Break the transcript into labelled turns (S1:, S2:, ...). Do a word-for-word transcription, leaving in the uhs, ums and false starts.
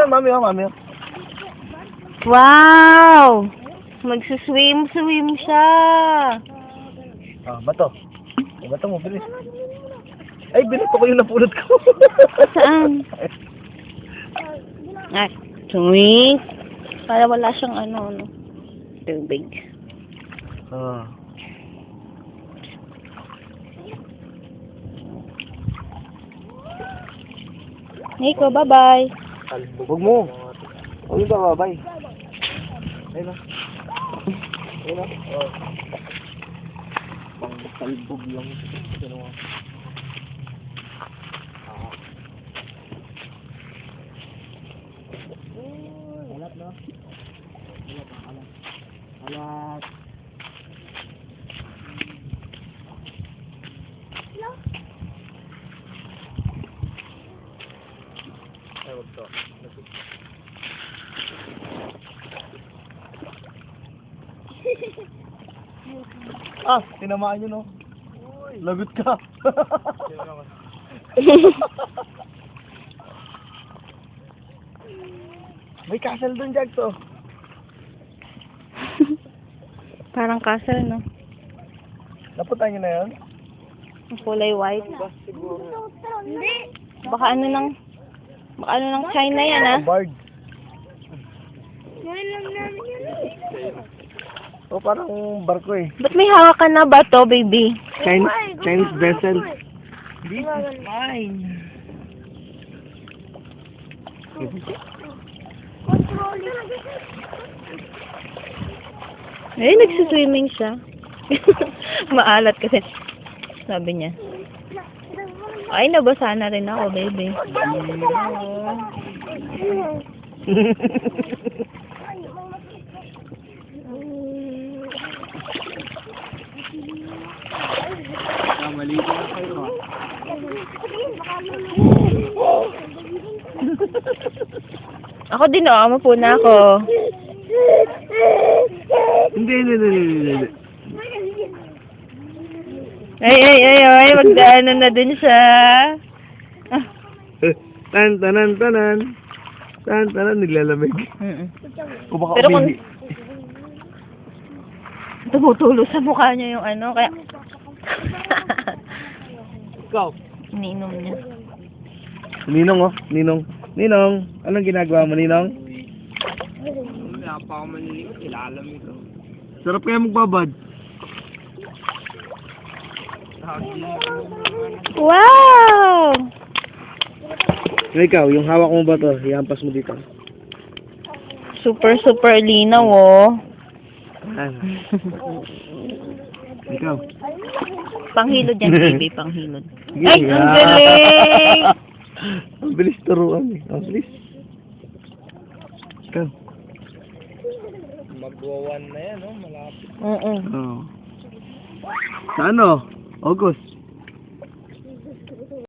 S1: mami, oh, mami. Oh.
S2: Wow! Magsuswim-swim siya.
S1: Ah, bato. Eh, bato mo, bilis. Ay, binato ko yung napulot ko.
S2: Saan? Ay, swing. Para wala siyang ano, ano. Tubig.
S1: Ah.
S2: Nico, bye-bye.
S1: Huwag mo. Huwag mo ba, babay. Ayun na. Ayun na. Oh. Pang talbog lang. Ginawa. Ah. Alat na. Alat, alat. Alat. Ay, wag to. Ah, tinamaan yun, no? Lagot ka. May castle dun, Jag, to.
S2: Parang castle, no?
S1: Napunta nyo na yun?
S2: Ang kulay white.
S3: Hindi.
S2: Baka ano ng... Baka ano ng China yan, ah.
S1: Bard.
S3: Ngayon lang namin yun.
S1: O, parang barko eh.
S2: Ba't may hawak ka na ba to, baby?
S1: Chinese, Chinese vessel. This is mine.
S3: Controlling.
S2: Eh, nagsuswimming siya. Maalat kasi. Sabi niya. Ay, nabasa na rin ako, baby.
S1: Maligo na kayo, ah.
S2: Ako din, oh. Mapuna ako.
S1: Hindi, hindi, hindi, hindi, hindi.
S2: Ay, ay, ay, ay. Magdaanan na din siya. Ah.
S1: Tan, tanan, tanan. Tan, tanan, naglalamig.
S2: Mm-mm.
S1: O baka
S2: Pero kung...
S1: umihi.
S2: Tumutulo sa mukha niya yung ano, kaya...
S1: Ikaw.
S2: Iniinom niya.
S1: Ninong, oh. Ninong. Ninong. Anong ginagawa mo, Ninong?
S4: Wala pa ako maniligo, ilalamig ko.
S1: Sarap kaya magbabad.
S2: Wow!
S1: Ikaw, yung hawak mo ba to? Ihampas mo dito.
S2: Super, super linaw, oh.
S1: Ano? Ikaw.
S2: Panghilod yan, baby. Panghilod.
S1: Sige,
S2: Ay, ang galing!
S1: Ang bilis turuan eh. Ang bilis. Ikaw.
S4: Magwawan na yan, no? Malapit.
S2: Oo.
S1: Oo. Sa ano? August.